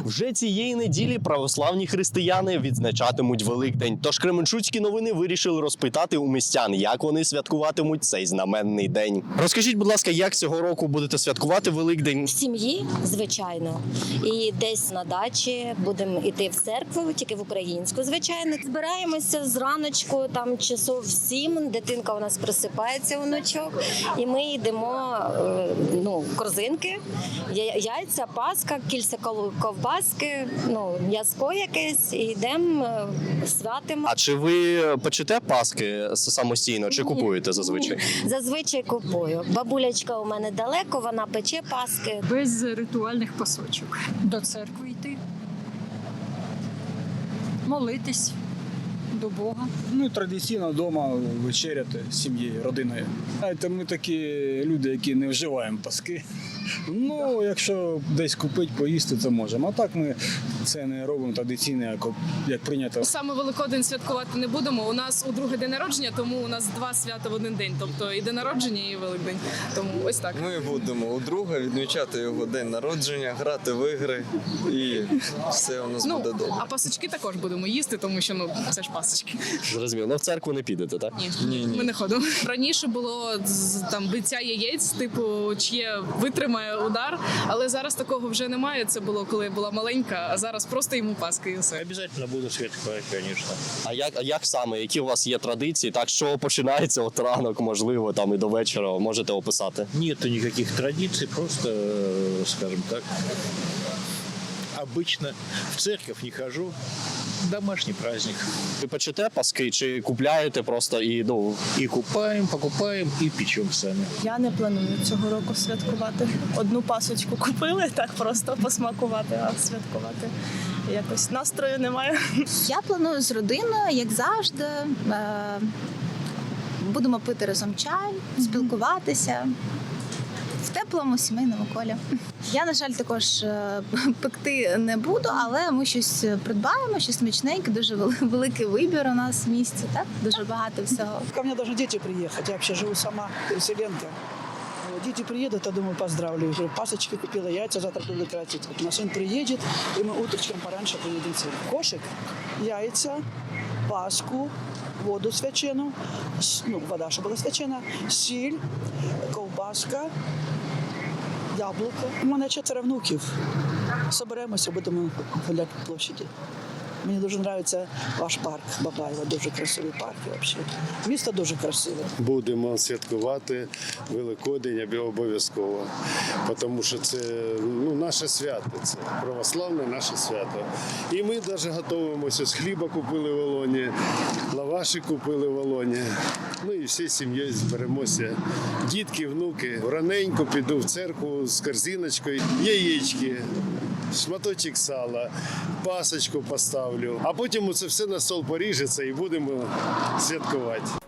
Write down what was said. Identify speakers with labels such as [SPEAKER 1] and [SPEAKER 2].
[SPEAKER 1] Вже цієї неділі православні християни відзначатимуть Великдень. Тож Кременчуцькі новини вирішили розпитати у містян, як вони святкуватимуть цей знаменний день. Розкажіть, будь ласка, як цього року будете святкувати Великдень?
[SPEAKER 2] В сім'ї, звичайно, і десь на дачі будемо йти в церкву, тільки в українську, звичайно. Збираємося зраночку, там часов в 7, дитинка у нас просипається вночок, і ми йдемо, корзинки, яйця, паска, кільця ковбаски, м'яско якесь, і йдемо, святимо.
[SPEAKER 1] А чи ви печете паски самостійно, чи купуєте зазвичай?
[SPEAKER 2] Зазвичай купую. Бабулячка у мене далеко, вона пече паски.
[SPEAKER 3] Без ритуальних пасочок. До церкви йти, молитись до Бога.
[SPEAKER 4] Традиційно вдома вечеряти з сім'єю, родиною. Знаєте, ми такі люди, які не вживаємо паски. Якщо десь купити, поїсти, то можемо. А так ми це не робимо традиційно, як прийнято.
[SPEAKER 5] Саме Великодень святкувати не будемо. У нас у другий день народження, тому у нас два свята в один день. Тобто і день народження, і Великдень. Тому ось так.
[SPEAKER 6] Ми будемо у друга відмічати його день народження, грати в ігри, і все у нас буде добре.
[SPEAKER 5] А пасочки також будемо їсти, тому що це ж пасочки.
[SPEAKER 1] Зрозуміло. В церкву не підете, так?
[SPEAKER 5] Ні. Ми не ходимо. Раніше було там биття яєць, типу, чиє витримає удар, але зараз такого вже немає. Це було, коли я була маленька, а зараз просто йому паски і все.
[SPEAKER 7] Обязательно буду святкувати, звісно.
[SPEAKER 1] А як саме? Які у вас є традиції? Так, що починається от ранок, можливо, там і до вечора, можете описати?
[SPEAKER 7] Нету никаких традиций, просто, скажем так, обычно в церковь не хожу. Домашний праздник.
[SPEAKER 1] Ви печете паски чи купляєте просто і
[SPEAKER 7] И купаем, покупаем, и печем сами.
[SPEAKER 8] Я не планую цього року святкувати. Одну пасочку купили, так просто посмакувати, а святкувати якось настрою немає.
[SPEAKER 9] Я планую з родиною, як завжди. Будемо пити разом чай, спілкуватися в теплому сімейному колі. Я, на жаль, також пекти не буду, але ми щось придбаємо, щось смачненьке, дуже великий вибір у нас в місті, так? Дуже багато всього.
[SPEAKER 10] Ко мне должны дети приехать, я вообще живу сама, переселенка. Дети приедут, я думаю, поздравлю. Уже пасочки купила, яйца завтра буду красить. Вот мой сын приедет, и мы утречком пораньше поедем в церковь. Кошек, яйца, паску, воду свячену, вода, щоб була свячена, сіль, ковбаска, яблуко. У мене 4 внуків. Соберемося, будемо гуляти по площаді. Мені дуже подобається ваш парк Бабаєва, дуже красивий парк взагалі. Місто дуже красиве.
[SPEAKER 11] Будемо святкувати Великодень обов'язково, тому що це наше свято, це православне наше свято. І ми навіть готуємося, з хліба купили в Олоні, лаваші купили в Олоні. І всі сім'єю зберемося. Дітки, внуки. Раненько піду в церкву з корзиночкою, яєчки, шматочок сала, пасочку поставлю. А потім це все на стол поріжеться і будемо святкувати.